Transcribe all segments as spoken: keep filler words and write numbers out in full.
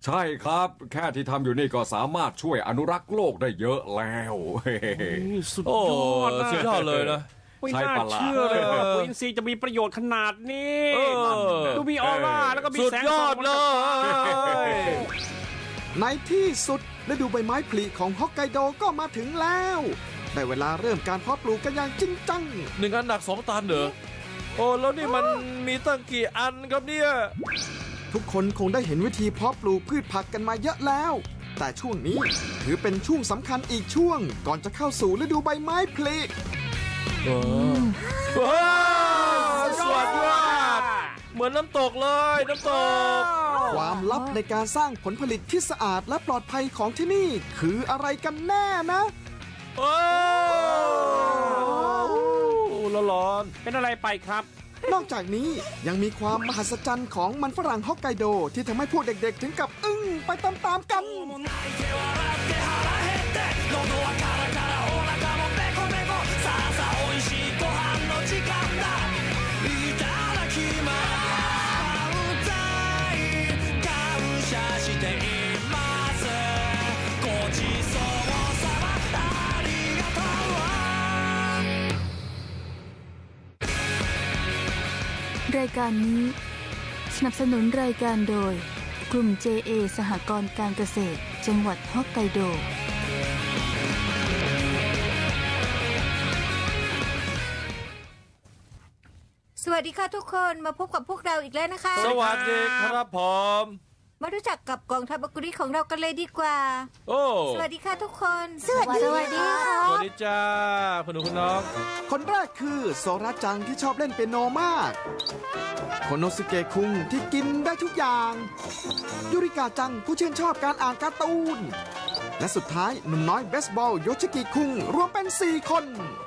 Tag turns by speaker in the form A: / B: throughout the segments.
A: ใช่ครับแค่ที่ทำอยู่นี่ก็สามารถช่วยอนุรักษ์โลกได้เยอะแล้ว
B: สุดยอดสุดยอดเลยนะ
C: ไม่น่าเชื่อเลยว่าปุ๋ยอินทรีย์จะมีประโยชน์ขนาดนี้ดูมีออร่าแล้วก็มีแสงสด
B: เลย
D: ในที่สุดฤดูใบไม้ผลิของฮอกไกโดก็มาถึงแล้วได้เวลาเริ่มการเพาะปลูกกันอย่างจริงจัง
B: หนึ่งอันหนักสองตันเหรอโอ้แล้วนี่มันมีตั้งกี่อันครับเนี่ย
D: ทุกคนคงได้เห็นวิธีเพาะปลูกพืชผักกันมาเยอะแล้วแต่ช่วงนี้ถือเป็นช่วงสำคัญอีกช่วงก่อนจะเข้าสู่ฤดูใบไม้ผลิ
B: ว้าวสวัสดีเหมือนน้ำตกเลยน้ำตก
D: ความลับในการสร้างผลผลิตที่สะอาดและปลอดภัยของที่นี่คืออะไรกันแน่นะ
B: โอ้ร้อน
C: เป็นอะไรไปครับ
D: นอกจากนี้ยังมีความมหัศจรรย์ของมันฝรั่งฮอกไกโดที่ทำให้พวกเด็กๆถึงกับอึ้งไปตามๆกัน
E: รายการนี้สนับสนุนรายการโดยกลุ่ม เจ เอ สหกรณ์การเกษตรจังหวัดฮอกไกโด
F: สวัสดีค่ะทุกคนมาพบกับพวกเราอีกแล้วนะคะ
B: สวัสดีครับผม
F: มารู้จักกับกองทัพบกุริของเรากันเลยดีกว่า
B: โอ้
F: สวัสดีค่ะทุกคน
E: สวัสดี
F: สวัสดีค่ะ
B: สวัสดีจ้าคุณหนูคุณน้อง
D: คนแรกคือโซระจังที่ชอบเล่นเปียโนมากโคโนสุเกะคุงที่กินได้ทุกอย่างยูริกาจังผู้ชื่นชอบการอ่านการ์ตูนและสุดท้ายหนุ่มน้อยเบสบอลโยชิกิคุงรวมเป็นสี่คน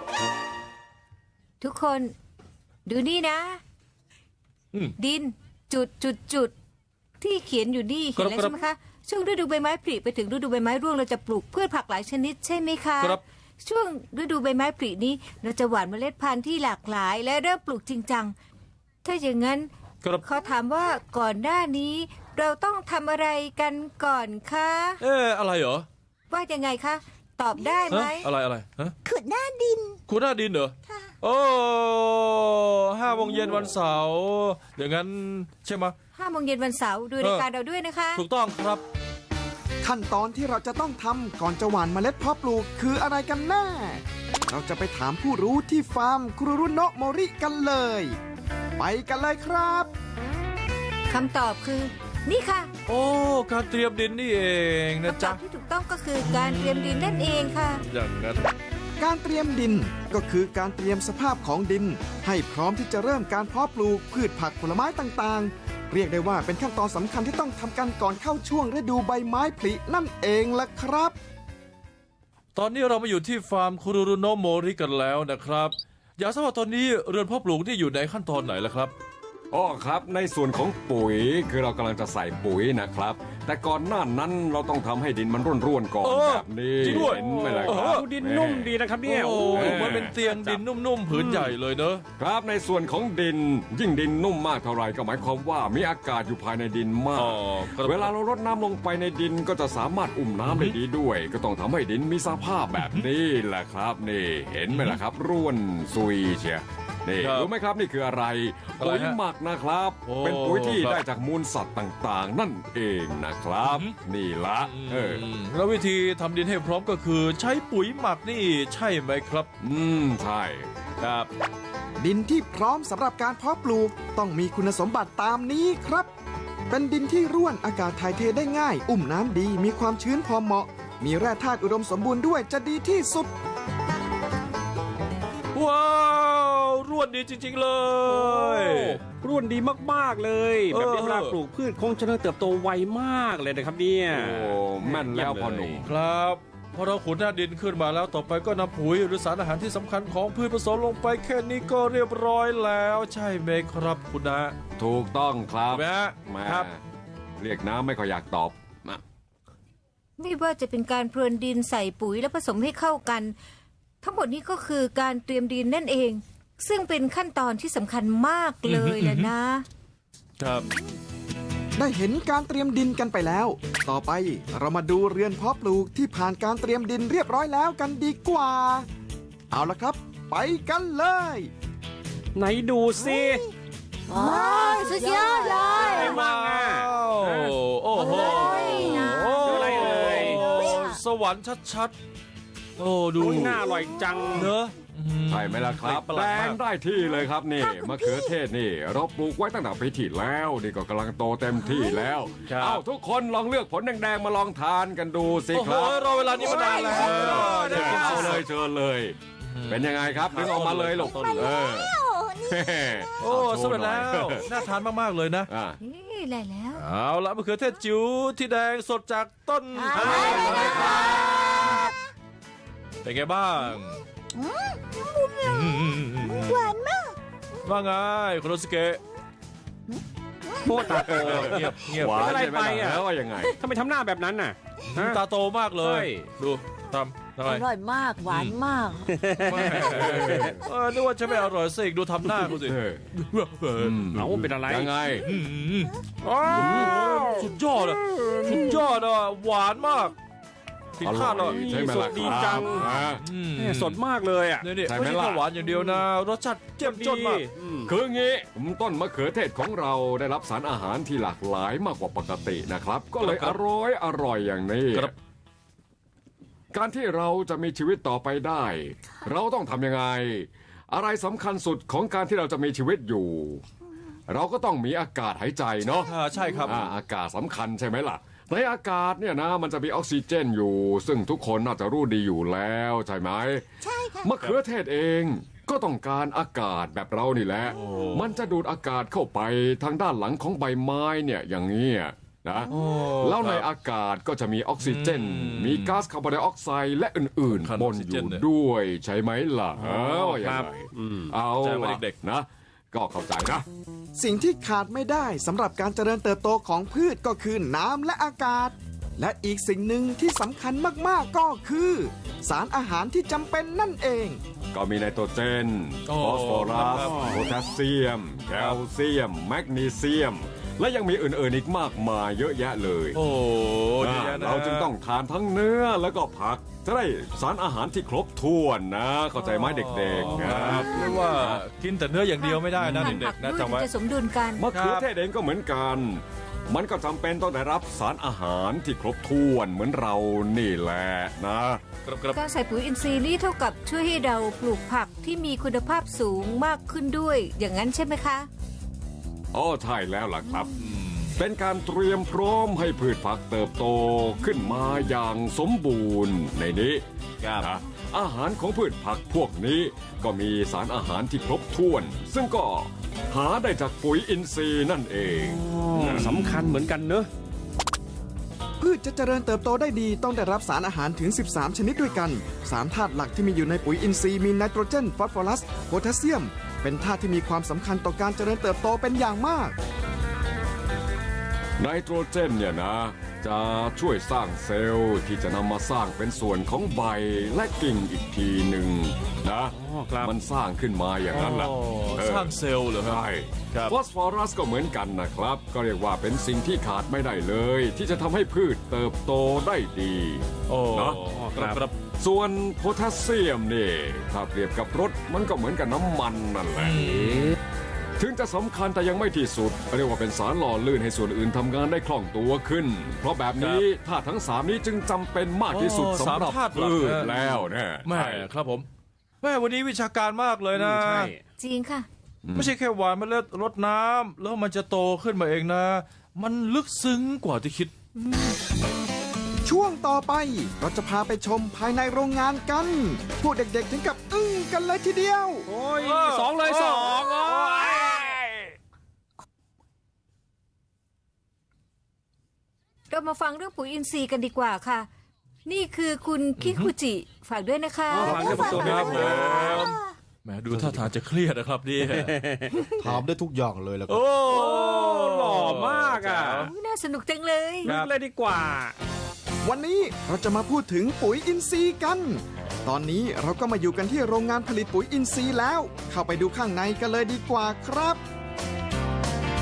F: ทุกคนดูนี่นะดินจุดจุดจุดที่เขียนอยู่นี่เห็นแล้วใช่ไหมคะช่วงฤดูใบไม้ผลิไปถึงฤดูใบไม้ร่วงเราจะปลูกพืชผักหลายชนิดใช่ไหมคะช่วงฤดูใบไม้ผลินี้เราจะหว่านเมล็ดพันธุ์ที่หลากหลายและเริ่มปลูกจริงจังถ้าอย่างนั้นเขาถามว่าก่อนหน้านี้เราต้องทำอะไรกันก่อนคะ
B: เอ๊ะอะไรเหรอ
F: ว่ายังไงคะตอบได้ไหม
B: อะไรอะไรฮะ
E: ขุดหน้าดิน
B: ขุดหน้าดินเหรอโอ้ห้าโมงเย็นวันเสาร์อย่างนั้นใช่ไหม
F: ห้าโมงเย็นวันเสาร์ดูรายการเราด้วยนะคะ
B: ถูกต้องครับ
D: ขั้นตอนที่เราจะต้องทำก่อนจะหว่านเมล็ดเพาะปลูกคืออะไรกันแน่เราจะไปถามผู้รู้ที่ฟาร์มคุรุรุโนะโมริกันเลยไปกันเลยครับ
F: คำตอบคือนี่ค่ะ
B: โอ้การเตรียมดินนี่เองนะจ๊ะ
F: คำตอบที่ถูกต้องก็คือการเตรียมดินนั่นเองค่ะ
B: อย่างนั้น
D: การเตรียมดินก็คือการเตรียมสภาพของดินให้พร้อมที่จะเริ่มการเพาะปลูกพืชผักผลไม้ต่างๆเรียกได้ว่าเป็นขั้นตอนสำคัญที่ต้องทำกันก่อนเข้าช่วงฤดูใบไม้ผลินั่นเองล่ะครับ
B: ตอนนี้เรามาอยู่ที่ฟาร์มคุรุรุโนะโมริกันแล้วนะครับอยากทราบว่าตอนนี้เรือนเพาะปลูกที่อยู่ในขั้นตอนไหนล่ะครับ
A: อ๋อครับในส่วนของปุ๋ยคือเรากำลังจะใส่ปุ๋ยนะครับแต่ก่อนหน้านั้นเราต้องทำให้ดินมันร่วนๆก่อนแบบนี้
B: เห็
A: นไหมล่ะครับ
C: ดินนุ่มดีนะครับเนี่ย
B: โอ้มันเป็นเตียงดินนุ่มๆผืนใหญ่เลยเนอะ
A: ครับในส่วนของดินยิ่งดินนุ่มมากเท่าไรก็หมายความว่ามีอากาศอยู่ภายในดินมากเวลาเรารดน้ำลงไปในดินก็จะสามารถอุ้มน้ำได้ดีด้วยก็ต้องทำให้ดินมีสภาพแบบนี้แหละครับนี่เห็นไหมล่ะครับร่วนซุยเชียนี่รู้ไหมครับนี่คืออะไรปุ๋ยหมักนะครับเป็นปุ๋ยที่ได้จากมูลสัตว์ต่างๆนั่นเองนะครับนี่ละเออ
B: แล้ววิธีทำดินให้พร้อมก็คือใช้ปุ๋ยหมักนี่ใช่ไหมครับ
A: อืมใช่
B: ครับ
D: ดินที่พร้อมสำหรับการเพาะปลูกต้องมีคุณสมบัติตามนี้ครับเป็นดินที่ร่วนอากาศถ่ายเทได้ง่ายอุ้มน้ำดีมีความชื้นพอเหมาะมีแร่ธาตุอุดมสมบูรณ์ด้วยจะดีที่สุด
B: ว้าวร่วนดีจริงๆเลย
C: ร่วนดีมากๆเลยแบบนี้เวลาปลูกพืชคงจะเติบโตไวมากเลยนะครับเนี่ย
A: โอ้แม่นแล้วพ่อหนุ่ม
B: ครับพอเราขุดหน้าดินขึ้นมาแล้วต่อไปก็นำปุ๋ยหรือสารอาหารที่สำคัญของพืชผสมลงไปแค่นี้ก็เรียบร้อยแล้วใช่ไหมครับคุณนะ
A: ถูกต้องครับ
B: แม่ครับ
A: เรียกน้ำไม่ค่อยอยากตอบ
F: ไม่ว่าจะเป็นการพรวนดินใส่ปุ๋ยและผสมให้เข้ากันทั้งหมดนี้ก็คือการเตรียมดินนั่นเองซึ่งเป็นขั้นตอนที่สำคัญมากเลยแหละนะครับ
D: ได้เห็นการเตรียมดินกันไปแล้ว ต่อไปเรามาดูเรือนเพาะปลูกที่ผ่านการเตรียมดินเรียบร้อยแล้วกันดีกว่า เอาละครับ ไปกันเลย
C: ไหนดูสิ
F: ว้าวสุดยอดเลย
C: อะไรบ้างอ่ะ
B: โอ้โอ้โห
C: ดูอะไรเอ่ย
B: สวรรค์ชัดๆ โอ้ดู
C: โอ้ยน่าอร่อยจัง
B: เนอะ
A: ใช่ไหมล่ะครับ
B: ประห
A: แด
B: ลาดมาก
A: งได้ที่เลยครับนี่มะเขือเทศนี่ เราปลูกไว้ตั้งแต่ปีที่แล้วนี่ก็กำลังโตเต็มที่แล้ว
B: ครับ
A: เอ้าทุกคนลองเลือกผลแดงๆมาลองทานกันดูสิ
B: โอ้
A: ค
B: โห
A: รับ
B: รอเวลานี้มานานแล้ว
A: เออเดี๋ยวกินเอาเลยเชิญเลย เป็นยังไงครับดึงออกมาเลยลูกเออ
B: โอ้สำเร็จแล้ว น่าทานมากๆเลยนะ
A: อ่ะ
F: นี่ได้แล้ว
B: เอาละมะเขือเทศจิ๋วที่แดงสดจากต้น
F: อ่า
B: เป็นไงบ้าง
F: หวานมาก
B: ว่าไงคุณโนสเกะ
C: โคตรตาโต
B: เงียบเงียบ
A: หวาน
C: อะไร
A: ใช่ไหม
C: ไป
A: ล่ะ
C: อ่ะ
A: แล้วว่ายังไง
C: ทำไมทำหน้าแบบนั้นน่ะฮะ
B: ตาโตมากเลย
C: ใช่
B: ดูทำทำไม
G: อร่อยมาก หวานมาก
B: ไม่เออนึกว่าจะไม่อร่อยสิดูทำหน้ากูสิ
A: เออ
C: เอาเป็นอะไร
A: ยังไง
C: อ๋อ
B: สุดยอดอะสุดยอดอะหวานมากผิดคาดเลย
A: ใช่ไหมล่ะ
C: ดีจัง
A: อ่ะ
C: แม่สดมากเลยอ่ะ
B: นี่นี่
A: ใช่ไหม
B: ไม่ใช่
A: ล่ะ
B: แค่หวานอย่างเดียวนะ รสชาติเจ้มจนมาก
C: อืม
A: คืองี้ต้นมะเขือเทศของเราได้รับสารอาหารที่หลากหลายมากกว่าปกตินะครับ ก็เลย
B: ครั
A: อบ ร่อยอร่อยอย่างนี้
B: ครับ
A: การที่เราจะมีชีวิตต่อไปได้ เราต้องทำยังไง อะไรสำคัญสุดของการที่เราจะมีชีวิตอยู่ เราก็ต้องมีอากาศหายใจเนาะ
B: อ่าใช่ครับ
A: อ่าอากาศสำคัญใช่ไหมล่ะ ในอากาศเนี่ยนะมันจะมีออกซิเจนอยู่ ซึ่งทุกคนน่าจะรู้ดีอยู่แล้วใช่ไหมใช่ค่ะมะเขือเทศเองก็ต้องการอากาศแบบเรานี่แหละ
B: โอ้
A: มันจะดูดอากาศเข้าไปทางด้านหลังของใบไม้เนี่ยอย่างนี้ยนะ
B: โอ้
A: แล้วใน
B: ครับ
A: อากาศก็จะมีออกซิเจน
B: อืม
A: มีก๊าซคาร์บอนไดออกไซด์และอื่น
B: คัน
A: ๆบน
B: ออกซิ
A: อ
B: เจน
A: ยู่
B: เนี่ย
A: ด้วยใช่ไหมล่ะเออว่ายัง
C: ครับ
A: ไง
C: อืม
A: เอา
B: ใจมา
A: ล่ะ
B: เด็กๆ
A: นะ ก็เข้าใจนะ
D: สิ่งที่ขาดไม่ได้สำหรับการเจริญเติบโตของพืชก็คือน้ำและอากาศ และอีกสิ่งหนึ่งที่สำคัญมากๆก็คือ สารอาหารที่จำเป็นนั่นเอง
A: ก็มีไนโตรเจน
B: โอ้
A: ฟอสฟอรัส
B: ครับ
A: โพแทสเซียม แคลเซียม แมกนีเซียม และยังมีอื่นๆอีกมากมายเยอะแยะเลย
B: โอ้
A: อ่า
B: เยอะแยะนะ
A: เราจึงต้องทานทั้งเนื้อแล้วก็ผัก จะได้สารอาหารที่ครบถ้วนนะ เข้าใจไหมเด็กๆ
B: ค
A: นะ
B: รับเรียกว่ากินแต่เนื้ออย่างเดียวไม่ได้นะ
F: ทาน
B: เด็
F: ผั
B: ก
F: ก
B: ๆนะ
F: ด้วย
B: จำไว้
F: จะสมดุลกัน
A: มะเขือเทศเองก็เหมือนกัน มันก็จำเป็นต้องได้รับสารอาหารที่ครบถ้วนเหมือนเรานี่แหละนะ
B: ครับครับ
F: การใส่ปุ๋ยอินทรีย์นี่เท่ากับช่วยให้เราปลูกผักที่มีคุณภาพสูงมากขึ้นด้วย อย่างนั้นใช่ไหมคะ
A: อ๋อใช่แล้วล่ะครับ เป็นการเตรียมพร้อมให้พืชผักเติบโตขึ้นมาอย่างสมบูรณ์ในนี้
B: ครับ
A: นะอาหารของพืชผักพวกนี้ก็มีสารอาหารที่ครบถ้วน ซึ่งก็หาได้จากปุ๋ยอินทรีย์นั่นเอง
C: สำคัญเหมือนกันเนอะ
D: พืชจะเจริญเติบโตได้ดีต้องได้รับสารอาหารถึง สิบสาม ชนิดด้วยกัน สารธาตุหลักที่มีอยู่ในปุ๋ยอินทรีย์มีไนโตรเจน ฟอสฟอรัส โพแทสเซียม เป็นธาตุที่มีความสำคัญต่อการเจริญเติบโตเป็นอย่างมาก
A: ไนโตรเจนเนี่ยนะ จะช่วยสร้างเซลล์ที่จะนำมาสร้างเป็นส่วนของใบและกิ่งอีกทีหนึ่งนะ
C: อ๋อครับ
A: มันสร้างขึ้นมาอย่างนั้นแหละ
B: โอ้
A: เออ
B: สร้างเซลล์เหรอครับ
A: ใช่
B: ครับ
A: ฟอสฟอรัสก็เหมือนกันนะครับ ก็เรียกว่าเป็นสิ่งที่ขาดไม่ได้เลย ที่จะทำให้พืชเติบโตได้ดี
B: โอ้
A: เนอะ
B: ครับครับ
A: ส่วนโพแทสเซียมนี่ถ้าเปรียบกับรถมันก็เหมือนกับน้ำมันนั่นแหละ ถึงจะสำคัญแต่ยังไม่ที่สุด เรียกว่าเป็นสารหล่อลื่นให้ส่วนอื่นทำงานได้คล่องตัวขึ้น เพราะแบบนี้ธาตุทั้งสามนี้จึงจำเป็นมากที่สุด
B: โอ้
A: สำหรับ
B: สามธาตุหลัก
A: พืช
B: นะ
A: แล้วแน่
B: แม่ครับผมแม่วันนี้วิชาการมากเลยนะ
C: ใช่
F: จริงค่ะ
B: ไม่ใช่แค่หวานเมล็ดรดน้ำแล้วมันจะโตขึ้นมาเองนะ มันลึกซึ้งกว่าที่คิด
D: ช่วงต่อไปเราจะพาไปชมภายในโรงงานกัน พวกเด็กๆถึงกับอึ้งกันเลยทีเดียว
C: โอ้ยสองเลยสองโอ้ย
F: เรามาฟังเรื่องปุ๋ยอินทรีย์กันดีกว่าค่ะ นี่คือคุณคิคุจิฝากด้วยนะคะ
C: ฟังเรื่องตัว
B: ค
C: นี้
B: รั
C: นะ
B: บ
C: ค
B: ผ
C: รับ
B: มแหมดูท่าทางจะเครียดนะครับนี่
H: ถามได้ทุกอย่างเลยแล้วก็
B: โอ้
C: หล่อมากอ่ะ
F: อุ๊ยน่าสนุกจังเลย
C: ลึกเลยดีกว่า
D: วันนี้เราจะมาพูดถึงปุ๋ยอินทรีย์กัน ตอนนี้เราก็มาอยู่กันที่โรงงานผลิตปุ๋ยอินทรีย์แล้ว เข้าไปดูข้างในกันเลยดีกว่าครับ
B: ที่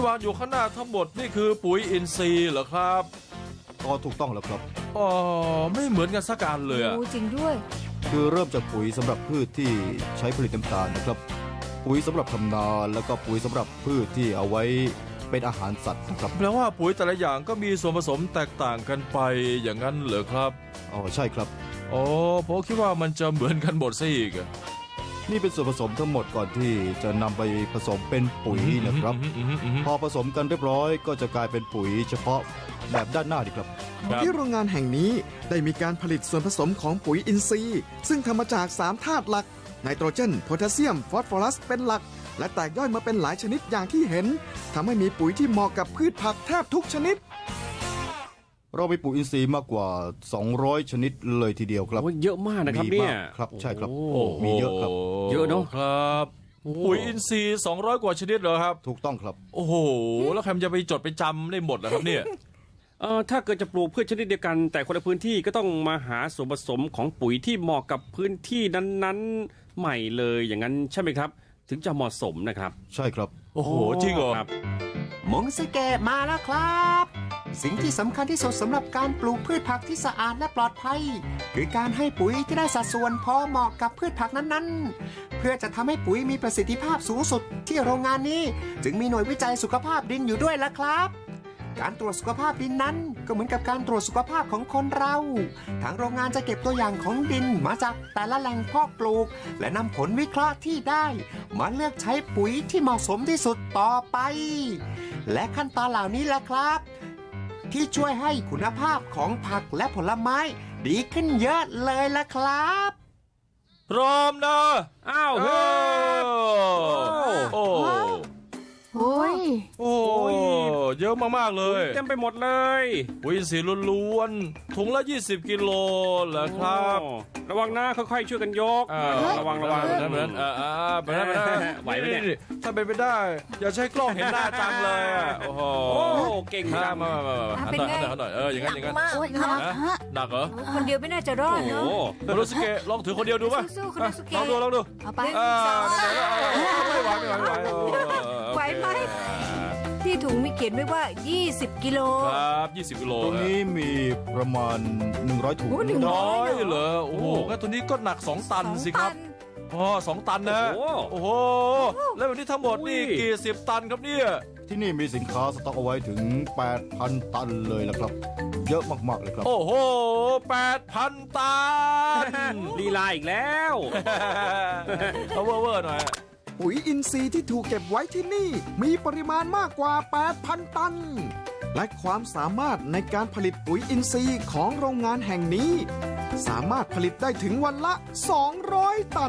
B: วางอยู่ข้างหน้าทั้งหมดนี่คือปุ๋ยอินทรีย์เหรอครับ
H: ก็ถูกต้องแล้วครับ
B: อ๋อไม่เหมือนกันสักการเลยอะ
F: โอ้จริงด้วย
H: คือเริ่มจากปุ๋ยสำหรับพืชที่ใช้ผลิตน้ำตาลนะครับ ปุ๋ยสำหรับทำนาแล้วก็ปุ๋ยสำหรับพืชที่เอาไว้เป็นอาหารสัตว์นะครับ
B: แปลว่าปุ๋ยแต่ละอย่างก็มีส่วนผสมแตกต่างกันไปอย่างนั้นเหรอครับ
H: อ๋อใช่ครับ
B: อ๋อผมคิดว่ามันจะเหมือนกันหมดซะอีกอะ
H: นี่เป็นส่วนผสมทั้งหมดก่อนที่จะนำไปผสมเป็นปุ๋ยนะครับ
B: อืมอืมอืมอืม
H: พอผสมกันเรียบร้อยก็จะกลายเป็นปุ๋ยเฉพาะแบบด้านหน้าดีครับ
B: ครับ
D: ที่โรงงานแห่งนี้ได้มีการผลิตส่วนผสมของปุ๋ยอินทรีย์ ซึ่งทำมาจากสามธาตุหลักไนโตรเจนโพแทสเซียมฟอสฟอรัสเป็นหลัก และแตกย่อยมาเป็นหลายชนิดอย่างที่เห็นทำให้มีปุ๋ยที่เหมาะกับพืชผักแทบทุกชนิด
H: เรามีปุ๋ยอินทรีย์มากกว่า สองร้อย ชนิดเลยทีเดียวครับ
C: โอ้ยเยอะมากนะครับ
H: มี
C: เนี่ย
H: มากครับใช่ครับ
C: โอ้
H: มีเยอะครับ
C: เยอะเนอะ
B: ครับ ปุ๋ยอินทรีย์สองร้อยกว่าชนิดเหรอครับ
H: ถูกต้องครับ
B: โอ้โหแล้วใครมันจะไปจดไปจำได้หมดเหรอครับเนี่ย
C: เอ่อถ้าเกิดจะปลูกพืชชนิดเดียวกัน แต่คนละพื้นที่ก็ต้องมาหาส่วนผสมของปุ๋ยที่เหมาะกับพื้นที่นั้นๆใหม่เลยอย่างนั้นใช่ไหมครับ ถึงจะเหมาะสมนะครับ
H: ใช่ครับ
B: โอ้โหจริงเหรอ
C: ครับ
G: มงสเกะมาแล้วครับ สิ่งที่สำคัญที่สุดสำหรับการปลูกพืชผักที่สะอาดและปลอดภัย คือการให้ปุ๋ยที่ได้สัดส่วนพอเหมาะกับพืชผักนั้นๆ เพื่อจะทำให้ปุ๋ยมีประสิทธิภาพสูงสุดที่โรงงานนี้ จึงมีหน่วยวิจัยสุขภาพดินอยู่ด้วยละครับ การตรวจสุขภาพดินนั้นก็เหมือนกับการตรวจสุขภาพของคนเรา ทางโรงงานจะเก็บตัวอย่างของดินมาจากแต่ละแหล่งเพาะปลูก และนำผลวิเคราะห์ที่ได้ มาเลือกใช้ปุ๋ยที่เหมาะสมที่สุดต่อไป และขั้นตอนเหล่านี้แหละครับ ที่ช่วยให้คุณภาพของผักและผลไม้ดีขึ้นเยอะเลยละครับ
B: พร้อมนะ
C: อ้าวเฮ้ย
B: โอ้
E: โอ้ย
B: โอ้เยอะมากๆเลย
C: เต็มไปหมดเลย
B: ปุ๋ยอินทรีย์ล้วนๆถุงละยี่สิบกิโลเหรอครับ
C: โอ้ระวังนะค่อยๆช่วยกันยก
B: อ่า
C: ระวังระวัง
B: แบบนั้นแบบนั้นอ่าอ่าแบบนั้นแบบนั้น
C: ไหวไหมเนี่ย
B: ถ้าเป็นไปได้ อย่าใช้กล้องเห็นหน้าจังเลยอ่ะโอ้โห
C: โอ้เก่ง
B: มา
C: จัง
B: มามามามาหัน
F: เป็น
B: หน่อย
F: ไง
B: หันหน่อยหันหน่อยเอออย่างนั้นอย่างนั้น
E: โอ้ยฮะฮะ
B: หนักเหรอ
F: คนเดียวไม่น่าจะรอด
C: โอ้
F: เนาะ
C: โห
B: โคโนสุเกะลองถือคนเดียวดูป่ะ
F: สู้ๆโคโนสุเกะ
B: ลองดูลองดู
F: เอาไป
B: อ่า
F: สอง
B: ไม่ไหวไม่ไหวไม่ไหวเออเออ
F: ไหวไหม ที่ถุงมีเขียนไว้ว่า ยี่สิบ กิโล
B: ครับยี่สิบกิโล
H: ตรงนี้มีประมาณ หนึ่งร้อย ถุง
F: โอ้หนึ่ง
B: น้อยเหรอโอ้โหงั้นตัวนี้ก็หนักสองตันสิครับ อ๋อสองตันนะ
C: โอ้โห
B: โอ้โห แล้วแบบนี้ทั้งหมดนี่
C: อุ้ย
B: กี่สิบตันครับเนี่ย
H: ที่นี่มีสินค้าสต็อกเอาไว้ถึง แปดพัน ตันเลยละครับ เยอะมากๆเลยครับ
B: โอ้โหแปดพันตัน
C: ลีลาอีกแล้ว
B: เอาเวอร์เวอร์หน่อย
D: ปุ๋ยอินทรีย์ที่ถูกเก็บไว้ที่นี่ มีปริมาณมากกว่า แปดพัน ตัน และความสามารถในการผลิตปุ๋ยอินทรีย์ของโรงงานแห่งนี้ สามารถผลิตได้ถึงวันละ สองร้อย ตัน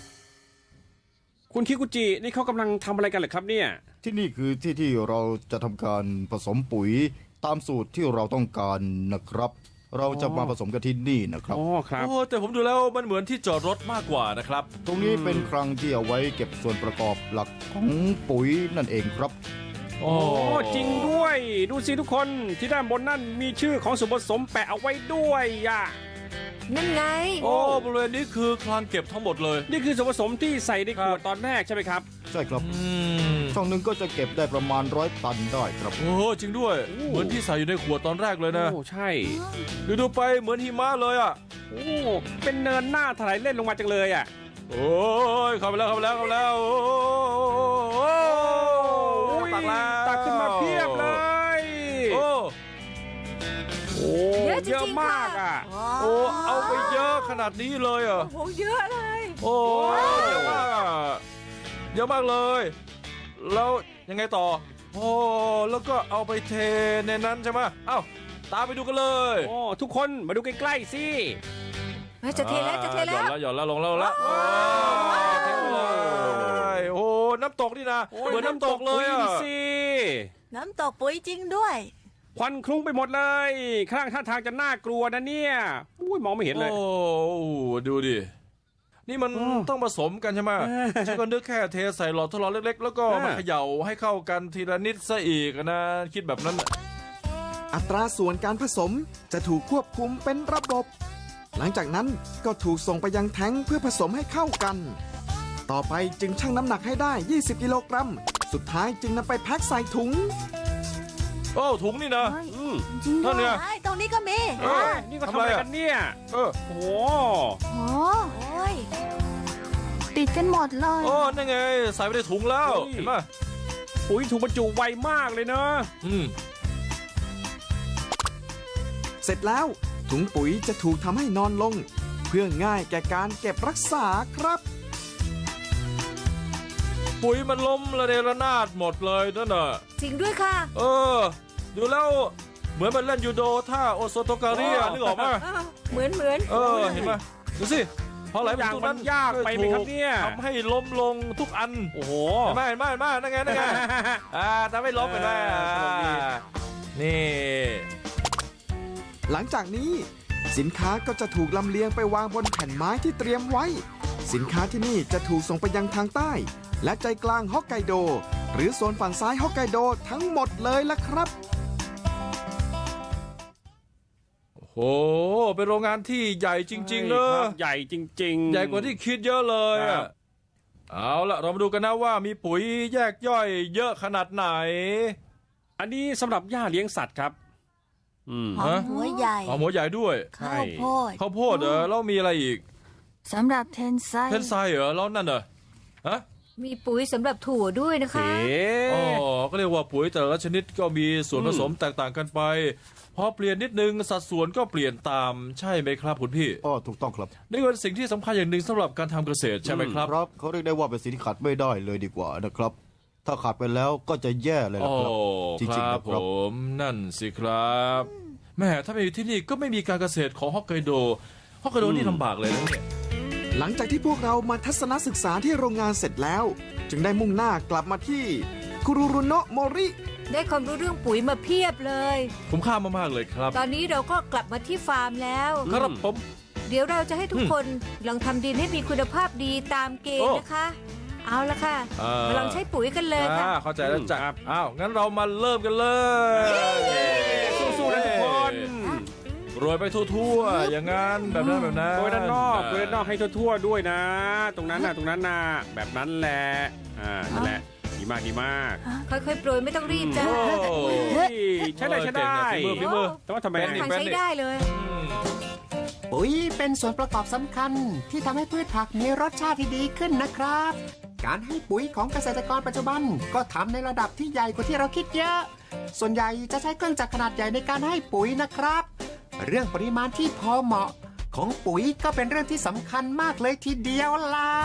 C: คุณคิกุจินี่เขากำลังทำอะไรกันเหรอครับเนี่ย
H: ที่นี่คือที่ที่เราจะทำการผสมปุ๋ยตามสูตรที่เราต้องการนะครับ เราจะมาผสมกันที่นี่นะครับ
C: อ๋อครับ
B: โอ้แต่ผมดูแล้วมันเหมือนที่จอดรถมากกว่านะครับ
H: ตรงนี้เป็นคลังที่เอาไว้เก็บส่วนประกอบหลักของปุ๋ยนั่นเองครับ
B: โอ้
C: โอ้จริงด้วย ดูสิทุกคนที่ด้านบนนั่นมีชื่อของส่วนผสมแปะเอาไว้ด้วยอ่ะ
F: นั่นไง
B: โอ้บริเวณนี้คือคลังเก็บทั้งหมดเลย
C: นี่คือส่วนผสมที่ใส่ในขวด
B: ครับ
C: ตอนแรกใช่ไหมครับ
H: ใช่ครับ
B: อืม
H: ช่องหนึ่งก็จะเก็บได้ประมาณร้อยตันได้ครับ
B: โอ้จริงด้วย เหมือนที่ใส่อยู่ในขวดตอนแรกเลยนะ
C: โอ้ใช่
B: ดูดูไปเหมือนหิมะเลยอ่ะ
C: โอ้เป็นเนินหน้าถลายเล่นลงมาจังเลยอ่ะ
B: โอ้ยเข้าไปแล้วเข้าไปแล้วเข้าไปแล้วโอ้ยตักแล้ว
C: ตักขึ้นมาเพียบเลย
B: โอ้
C: โอ้
F: เยอะจริงๆ
C: เยอะมากอ่ะ
F: ค่ะ
B: โอ้เอาไปเยอะขนาดนี้เลยเหรอ่ะ
F: โอ้โหเยอะเลย
B: โอ้เยอะมากอ่ะเยอะมากเลย แล้วยังไงต่อ โอ้แล้วก็เอาไปเทในนั้นใช่ไหมเอ้าตามไปดูกันเลย
C: โอ้ทุกคนมาดูใกล้ๆสิ
F: เฮ้ยจะเทแล้วจะเท
B: ห
F: แล้
B: ย่อน
F: ว
B: แล้วหย่อนแล้วลงแล้วลงแล้วโอ้เทเลยโอ้น้ำตกนี่นะเหมือนน้ำตกเลยอ่ะ
C: ดูสิ
I: น้ำตกปุ๋ยจริงด้วย
C: ควันคลุ้งไปหมดเลยข้างท่าทางจะน่ากลัวนะเนี่ยอุ้ยมองไม่เห็นเลย
B: โอ้ดูดิ นี่มัน
C: โอ้
B: ต้องผสมกันใช่ไหม
C: เออ
B: ฉันก็นึกแค่เทใส่หลอดทดลองเล็กๆ แล้วก็
C: เออ
B: มาเขย่าให้เข้ากันทีละนิดซะอีกนะ คิดแบบนั้นน่ะ
D: อัตราส่วนการผสมจะถูกควบคุมเป็นระบบ หลังจากนั้นก็ถูกส่งไปยังแท้งเพื่อผสมให้เข้ากัน ต่อไปจึงชั่งน้ำหนักให้ได้ ยี่สิบ กิโลกรัมสุดท้ายจึงนำไปแพ็คใส่ถุง
B: โอ้ถุงนี่นะ
C: อืม
I: จริงด้
B: นั่
I: วน
B: ไง
I: ยไอ้ตรงนี้ก็มี
B: เออ
C: นี่ก็ทำอะไรกันเนี่ย
B: เออ
C: โอ้โห
E: โอ้
I: โอ้ย
E: ติดกันหมดเลย
B: โอ้นั่นไงใส่ไปในถุงแล้ว
C: เฮ้ย
B: เห็นไหม
C: ปุ๋ยถูกบรรจุไวมากเลยเนอะ
B: อืม
D: เสร็จแล้วถุงปุ๋ยจะถูกทำให้นอนลง เพื่อง่ายแก่การเก็บรักษาครับ
B: ปุ๋ยมันล้มระเนระนาดหมดเลยนั่นน่ะ
F: จริงด้วยค่ะ
B: เออ ดูแล้วเหมือนมันเล่นยูโดท่าโอโซโตการีอะนึกออกไหม
F: อ้าวเหมือนเหมือน
B: เออเห็นไหมดูสิพอไหลไปตรงนั้น
C: ยากไปไหมครับเนี่ย
B: ทำให้ล้มลงทุกอัน
C: โอ้โห
B: เห็นไหมเห็นไหมเห็นไหมนั่นไงนั่นไงอ่าทำให้ล้มเห็นไหม
C: เออสนุกดี
B: อ่านี่
D: หลังจากนี้สินค้าก็จะถูกลำเลียงไปวางบนแผ่นไม้ที่เตรียมไว้ สินค้าที่นี่จะถูกส่งไปยังทางใต้ และใจกลางฮอกไกโด หรือโซนฝั่งซ้ายฮอกไกโดทั้งหมดเลยละครับ
B: โอ้โหเป็นโรงงานที่ใหญ่จริงๆเนอะ
C: ครับใหญ่จริงๆ
B: ใหญ่กว่าที่คิดเยอะเลย
C: ครั
B: อะ
C: บ
B: เอาละเรามาดูกันนะว่ามีปุ๋ยแยกย่อยเยอะขนาดไหน
C: อันนี้สำหรับหญ้าเลี้ยงสัตว์ครับ อืม
I: หอมหัวใหญ่
B: เอาหัวใหญ่ด้วย
I: ข้าวโพด
B: ข้าวโพดเหรอแล้วมีอะไรอีก
E: สำหรับเทนไซ
B: เทนไซเหรอแล้วนั่นเหรอฮะ
F: มีปุ๋ยสำหรับถั่วด้วยนะคะ
C: เอ๊
B: อ๋อะ ก็เรียกว่าปุ๋ยแต่ละชนิดก็มีส่วนผสมแตกต่างกันไปพอเปลี่ยนนิดนึงสัดส่วนก็เปลี่ยนตามใช่ไหมครับคุณพี่
H: อ๋อถูกต้องครับ
B: นี่เป็นสิ่งที่สำคัญอย่างหนึ่งสำหรับการทำเกษตรใช่ไหมครับ
H: ครับเขาเรียกได้ว่าเป็นสิ่งที่ขาดไม่ได้เลยดีกว่านะครับ ถ้าขาดไปแล้วก็จะแย่เลย
B: โอ้
H: นะครับ จ
B: ค
H: ริงๆ
B: รั
H: นะ
B: บ
H: ครับ
B: ผมนั่นสิครับแม่ถ้าไม่อยู่ที่นี่ก็ไม่มีการเกษตรของฮอกไกโดฮอกไกโดนี่ลำบากเลยนะเนี่ย
D: หลังจากที่พวกเรามาทัศนศึกษาที่โรงงานเสร็จแล้ว จึงได้มุ่งหน้ากลับมาที่คุรุรุโนะโมริ
F: ได้ความรู้เรื่องปุ๋ยมาเพียบเลย
B: คุ้มค่ามากๆเลยครับ
F: ตอนนี้เราก็กลับมาที่ฟาร์มแล้ว
B: ครับผม
F: เดี๋ยวเราจะให้ทุกคนลองทำดินให้มีคุณภาพดีตามเกณฑ์
B: โอ้
F: นะคะ เอาละค่ะ
B: อ่าม
F: มาลองใช้ปุ๋ยกันเลยค่ะ
B: อ่าเข้าใจแล้วจ้ะอ้าวงั้นเรามาเริ่มกันเลย
C: สู้ๆนะทุกคน
B: โรยไปทั่วๆอย่างนั้นแบบนั้นแบบนั้น
C: โดยด้านนอกโดยด้านนอกให้ทั่วๆด้วยนะ ตรงนั้นน่ะตรงนั้นน่ะแบบนั้นแหละอ่านั่นแหละดีมากดีมาก
F: ค่อยๆโปรยไม่ต้องรีบจ้า
B: โอ้
C: เฮ้ยใช้ได้ใช้ได้
B: เก่งนะฝีมือฝีมือ
C: แต่ว่าทำไม
B: เป็น
F: ทางใช้ได้เลย
G: ปุ๋ยเป็นส่วนประกอบสำคัญที่ทำให้พืชผักมีรสชาติที่ดีขึ้นนะครับ การให้ปุ๋ยของเกษตรกรปัจจุบันก็ทำในระดับที่ใหญ่กว่าที่เราคิดเยอะ ส่วนใหญ่จะใช้เครื่องจักรขนาดใหญ่ในการให้ปุ๋ยนะครับ เรื่องปริมาณที่พอเหมาะของปุ๋ยก็เป็นเรื่องที่สำคัญมากเลยทีเดียวล่ะ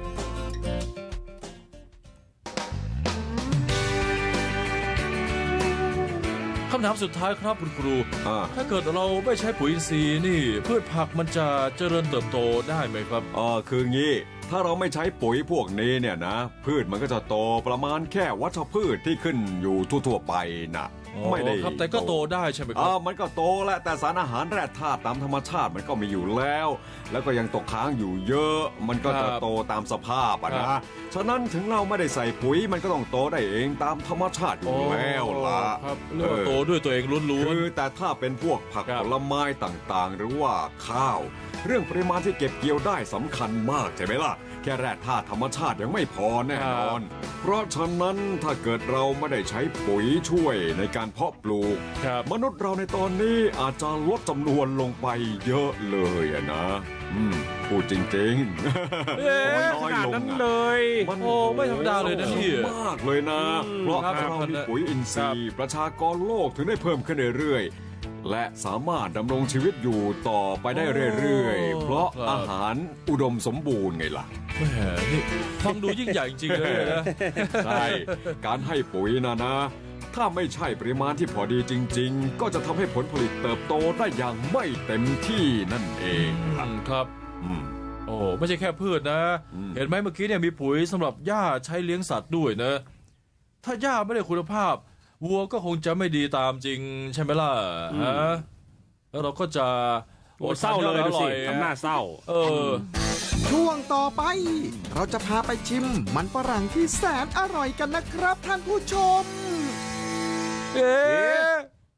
B: คำถามสุดท้ายครับคุณครู
A: อ่า
B: ถ้าเกิดเราไม่ใช้ปุ๋ยอินทรีย์นี่ พืชผักมันจะเจริญเติบโตได้ไหมครับ
A: อ๋อคืองี้ ถ้าเราไม่ใช้ปุ๋ยพวกนี้เนี่ยนะ พืชมันก็จะโตประมาณแค่วัชพืชที่ขึ้นอยู่ทั่วๆไปนะไม่ได้
B: ครับแต่ก็โตได้ใช่ไหมครั
A: อ่า
B: บ
A: มันก็โตแหละแต่สารอาหารแร่ธาตุตามธรรมชาติมันก็มีอยู่แล้ว แล้วก็ยังตกค้างอยู่เยอะ มันก็จะ
B: ครับ
A: โตตามสภาพอะ
B: ครั
A: นะ
B: บ
A: ฉะนั้นถึงเราไม่ได้ใส่ปุ๋ยมันก็ต้องโตได้เองตามธรรมชาติอยู่แล้วล่ะ
B: ครับเรียกว่าโตด้วยตัวเองล้วน
A: คือแต่ถ้าเป็นพวกผัก
B: ครับ
A: ผลไม้ต่างๆ หรือว่าข้าว เรื่องปริมาณที่เก็บเกี่ยวได้สำคัญมากใช่ไหมล่ะ แค่แร่ธาตุธรรมชาติยังไม่พอแน่นอน เพราะฉะนั้นถ้าเกิดเราไม่ได้ใช้ปุ๋ยช่วยในการเพาะปลูก
B: ๆครับ
A: มนุษย์เราในตอนนี้อาจจะลดจำนวนลงไปเยอะเลยอะนะ อืมพูดจริงๆ
C: เอ๊ะ
A: น้
C: ข
A: อย
C: นาด
A: ลง
C: นั้น
A: อะ
C: เลย
A: มัน
B: โอ้ไม่ธรรมดาเลยนะพี่
A: มากเลยนะ
C: อืม
A: เพราะ
B: ครับ
A: เรามีปุ๋ยอินทรีย์ประชากรโลกถึงได้เพิ่มขึ้นเรื่อยๆ และสามารถดำรงชีวิตอยู่ต่อไปได้เรื่อยๆ เพราะ
B: ครับ
A: อาหารอุดมสมบูรณ์ไงล่ะ
B: แหมนี่ฟังดูยิ่งใหญ่จริงๆเลยนะ
A: ใช่ การให้ปุ๋ยนะนะ ถ้าไม่ใช่ปริมาณที่พอดีจริง ๆ ก็จะทำให้ผลผลิตเติบโตได้อย่างไม่เต็มที่นั่นเองล่ะ
B: อืมครับ
A: อืม
B: โอ้ไม่ใช่แค่พืชนะ
A: อืม
B: เห็นไหมเมื่อกี้เนี่ยมีปุ๋ยสำหรับหญ้าใช้เลี้ยงสัตว์ด้วยนะ ถ้าหญ้าไม่ได้คุณภาพ วัวก็คงจะไม่ดีตามจริงใช่ไหมล่ะฮะแล้วเราก็จะ
C: โอ้เศร้าเลยดูสิทำหน้าเศร้า
B: เออ
D: ช่วงต่อไป เราจะพาไปชิมมันฝรั่งที่แสนอร่อยกันนะครับท่านผู้ชม
B: เอ๊ะ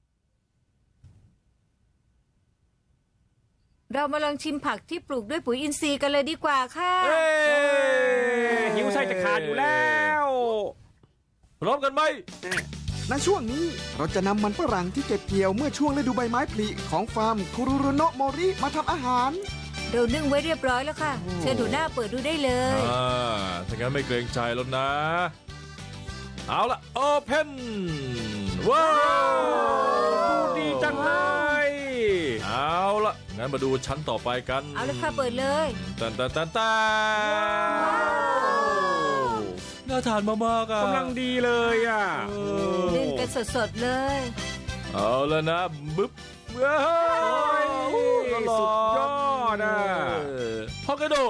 F: เรามาลองชิมผักที่ปลูกด้วยปุ๋ยอินทรีย์กันเลยดีกว่าค่ะ
B: เอ๊ะ
C: หิวไส้จะขาดอยู่แล้ว
B: พร้อมกันไหม
D: ในช่วงนี้เราจะนำมันฝรั่งที่เก็บเกี่ยวเมื่อช่วงฤดูใบไม้ผลิของฟาร์มคุรุรุโนะโมริมาทำอาหาร
F: เรานึ่งไว้เรียบร้อยแล้วค่ะ เชิญดูหน้าเปิดดูได้เลย
B: อ่าถ้างั้นไม่เกรงใจแล้วนะ เอาละโอเพนว้าว
C: ดีจังเลย
B: เอาละงั้นมาดูชั้นต่อไปกัน
F: เอาเลยค่ะเปิดเลย
B: ตันตันตันตันน่าทานมากๆอ่ะ
C: กำลังดีเลยอ่ะ
B: เอ
F: นึ่ง
B: อ
F: กันสดๆเลย
B: เอาแล้วนะบึ๊บว้าว
C: สุดยอดอ่ะ
B: ฮอกไกโด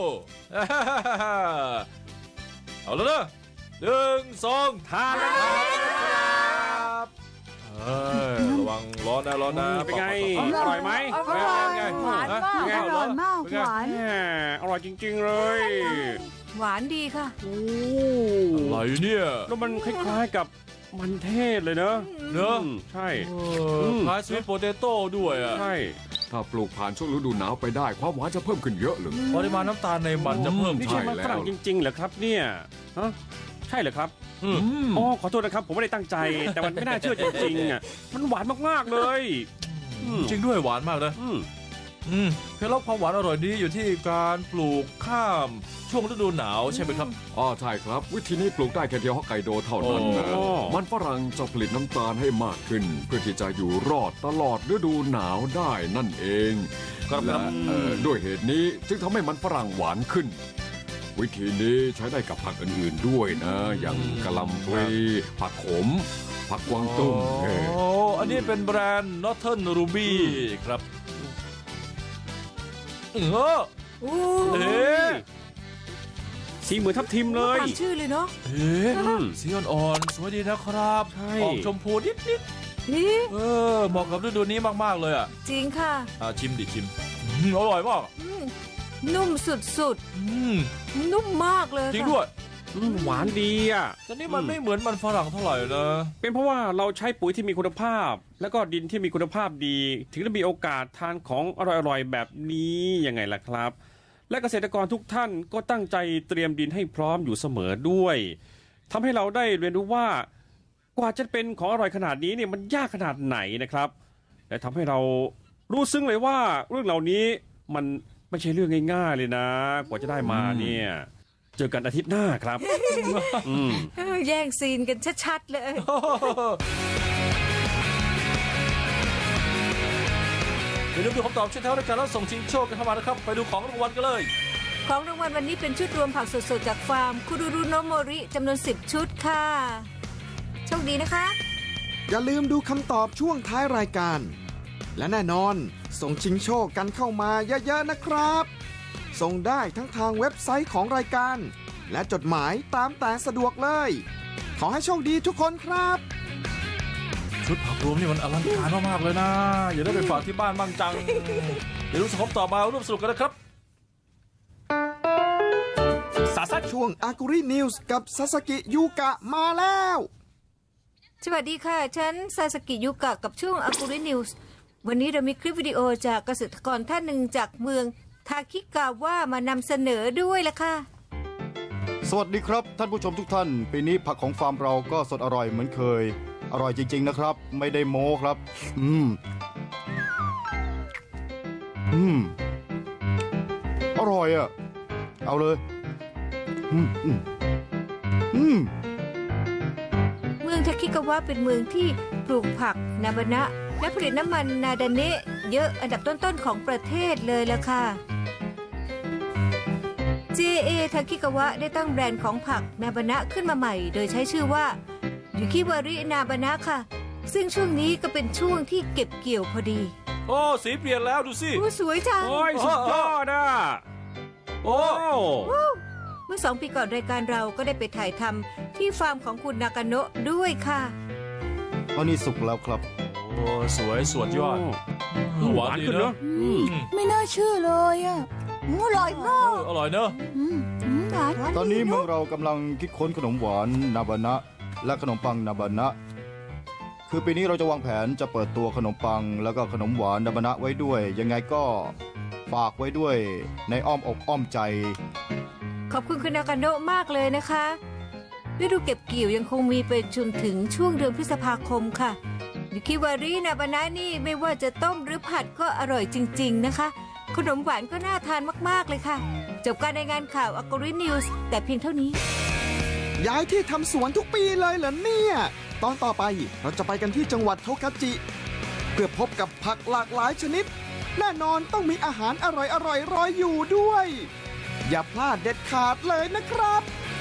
B: เอาแล้วนะหนึ่งสอง
C: ทานแล้วนะครับ
B: เอ้ยระวังร้อนนะร้อนนะ
C: เป็นไง
B: ปอก
C: อร่อยไหม
I: อร่อยหวานมาก
B: เป็นไง
I: อร่อยมากหวาน
C: แหมอร่อยจริง ๆ เลย
F: หวานดีค่ะ
C: โอ้
B: อะไรเนี่ย
C: แล้วมันคล้ายๆกับมันเทศเลยเนอะ
B: เนอะ
C: อืมใช่
B: เออคล้ายสวีทโปเตโต้ด้วยอ่ะ
C: ใช่
A: ถ้าปลูกผ่านช่วงฤดูหนาวไปได้ความหวานจะเพิ่มขึ้นเยอะเลย
B: ปริมาณน้ำตาลในมันจะเพิ่ม
C: นี่
B: ขึ้
C: ใช่
B: น
C: มันฝรั่งจริงๆเหรอครับเนี่ยฮะใช่เหรอครับ
B: อืม
C: อ๋อขอโทษนะครับ ผมไม่ได้ตั้งใจ แต่มันไม่น่าเชื่อจริงๆอ่ะมันหวานมากๆเลยอืม
B: จริงด้วยหวานมากนะ
C: อืม
B: อืมเคล็ดลับความหวานอร่อยนี้อยู่ที่การปลูกข้ามช่วงฤดูหนาวใช่ไหมครับ
A: อ๋อใช่ครับ วิธีนี้ปลูกได้แค่เดียวฮอกไกโดเท่านั้นนะ
C: โอ้
A: มันฝรั่งจะผลิตน้ำตาลให้มากขึ้น เพื่อที่จะอยู่รอดตลอดฤดูหนาวได้นั่นเอง
B: ครับ
A: และเอ่อด้วยเหตุนี้จึงทำให้มันฝรั่งหวานขึ้น วิธีนี้ใช้ได้กับผักอื่นๆด้วยนะ อย่างกะหล่ำปลีผักขม ผักกวางตุ้งเออ
B: โอ้อันนี้เป็นแบรนด์ Northern Ruby ครับเออ
F: อู้
B: เอ๊ะ
C: สีเหมือนทับทิมเลย
F: ตามชื่อเลยเนาะ
B: เอ๊ะ
C: อืม
B: สีอ่อนๆสวยดีนะครับ
C: ใช่
B: ออกชมพูนิด
F: นี่
B: ๆเออเหมาะกับฤดูนี้มากๆเลยอ่ะ
F: จริงค่ะ
B: อ่าชิมดิชิมอืมอร่อยมาก
F: อืมนุ่มสุด
B: อืม
F: ๆ นุ่มมากเลย
B: จริง
F: ค่ะ
B: ด้วย
C: อืมหวานดีอ่ะ
B: แต่นี่มันไม่เหมือนมันฝรั่งเท่าไหร่นะ
C: เป็นเพราะว่าเราใช้ปุ๋ยที่มีคุณภาพ แล้วก็ดินที่มีคุณภาพดี ถึงจะมีโอกาสทานของอร่อยๆแบบนี้ยังไงล่ะครับ และเกษตรกรทุกท่านก็ตั้งใจเตรียมดินให้พร้อมอยู่เสมอด้วยทำให้เราได้เรียนรู้ว่ากว่าจะเป็นของอร่อยขนาดนี้เนี่ยมันยากขนาดไหนนะครับ และทำให้เรารู้ซึ้งเลยว่าเรื่องเหล่านี้มันไม่ใช่เรื่องง่ายๆเลยนะ กว่าจะได้มาเนี่ยเจอกันอาทิตย์หน้าครับ อืม
F: เออแย่งซีนกันชัดๆเลย
B: อย่าลืมดูคำตอบช่วยแถวในการรับส่งชิงโชคกันเข้ามานะครับ ไปดูของรางวัลกันเลย
F: ของรางวัลวันนี้เป็นชุดรวมผักสดๆจากฟาร์มคุรุรุโนะโมริจำนวนสิบชุดค่ะ โชคดีนะคะ
D: อย่าลืมดูคำตอบช่วงท้ายรายการ และแน่นอนส่งชิงโชคกันเข้ามาเยอะๆนะครับ ส่งได้ทั้งทางเว็บไซต์ของรายการ และจดหมายตามแต่สะดวกเลย ขอให้โชคดีทุกคนครับ
B: ชุดผักรวมนี่มันอลังการมากๆเลยนะ อย่าได้ไปฝากที่บ้านบ้างจัง อย่าลืมส่งคำตอบมาร่วมสนุกกันนะครับ
C: สาสัด
D: ช่วงอากุรินิวส์กับซาสกิยูกะมาแล้ว
F: สวัสดีค่ะ ฉันซาสกิยุกะกับช่วงอากุรินิวส์วันนี้เรามีคลิปวิดีโอจากเกษตรกรท่านหนึ่งจากเมืองทาคิกาว่ามานำเสนอด้วยละค่ะ
H: สวัสดีครับท่านผู้ชมทุกท่าน ปีนี้ผักของฟาร์มเราก็สดอร่อยเหมือนเคย อร่อยจริงๆนะครับ ไม่ได้โม้ครับ อืม อืม อร่อยอ่ะ เอาเลย อืม อืม อืม
F: เมืองทาคิกาวะเป็นเมืองที่ปลูกผักนาบานะและผลิตน้ำมันนาดาเนะเยอะอันดับต้นๆของประเทศเลยละค่ะ เจ เอ ทาคิกาวะได้ตั้งแบรนด์ของผักนาบานะขึ้นมาใหม่ โดยใช้ชื่อว่ายูคิวารินาบานะค่ะ ซึ่งช่วงนี้ก็เป็นช่วงที่เก็บเกี่ยวพอดี
B: โอ้สีเปลี่ยนแล้วดูสิ
F: โอ้สวยจัง
C: โอ้ยสุดยอดอ่ะ
B: โอ้
C: โอ้
F: เมื่อสองปีก่อนรายการเราก็ได้ไปถ่ายทำที่ฟาร์มของคุณนากาโนะด้วยค่ะ
H: ตอนนี้สุกแล้วครับ
B: โอ้สวยสวดยอด
C: หวานขึ้นเนอะ
B: อืม
I: ไม่น่าเชื่อเลยอ่ะอืมอร่อยมา
B: เอก ออร่อยเนอะ
I: อืมอืมหวาน
H: ตอนนี้เมืองเรากำลังคิดค้นขนมหวานนาบานะและขนมปังนาบานะคือปีนี้เราจะวางแผนจะเปิดตัวขนมปังแล้วก็ขนมหวานนาบานะไว้ด้วย ยังไงก็ฝากไว้ด้วยในอ้อมอกอ้อมใจ
F: ขอบคุณคุณนากาโนะมากเลยนะคะฤดูเก็บเกี่ยวยังคงมีไปจนถึงช่วงเดือนพฤษภาคมค่ะยูคิวารินาบานะนี่ไม่ว่าจะต้มหรือผัดก็อร่อยจริงๆนะคะขนมหวานก็น่าทานมากๆเลยค่ะจบการรายงานข่าวอักกรินิวส์แต่เพียงเท่านี้
D: ย้ายที่ทำสวนทุกปีเลยเหรอเนี่ย ตอนต่อไปเราจะไปกันที่จังหวัดโทคาจิ เพื่อพบกับผักหลากหลายชนิด แน่นอนต้องมีอาหารอร่อยๆ ร, รออยู่ด้วย อย่าพลาดเด็ดขาดเลยนะครับ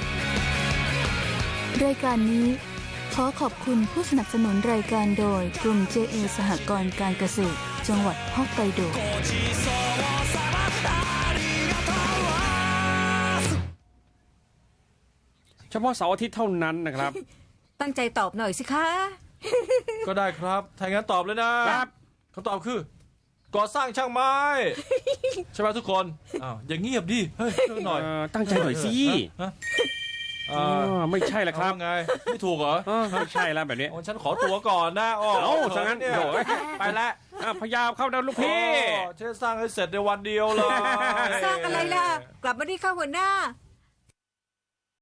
E: รายการนี้ขอขอบคุณผู้สนับสนุนรายการโดยกลุ่ม เจ เอ สหกรณ์การเกษตร จังหวัดฮอกไกโด
C: เฉพาะเสาร์อาทิตย์เท่านั้นนะครับ
F: ตั้งใจตอบหน่อยสิคะ
B: ก็ได้ครับถ้างั้นตอบเลยนะครับ คำตอบคือ ก่อสร้างช่างไม้ ใช่ไหมทุกคนอ้าวอย่างเงียบดิเฮ้ยหน่อย
C: เอ่อตั้งใจหน่อยสิ
B: ฮะ
C: อ๋อไม่ใช่ละครับ
B: เอาไงไม่ถูกเหรอ
C: เออไม่ใช่แล้วแบบนี้
B: อ๋อฉันขอตัวก่อนนะอ๋อ
C: เอ้าซะงั้น
B: เนี่ย
C: โถ่
B: ไปแล้ว
C: อ่ะพยายามเข้านะลูกพี่
B: โอ้ฉันสร้างให้เสร็จในวันเดียวเลย
F: สร้างอะไรล่ะ กลับมาที่ข้าหัวหน้า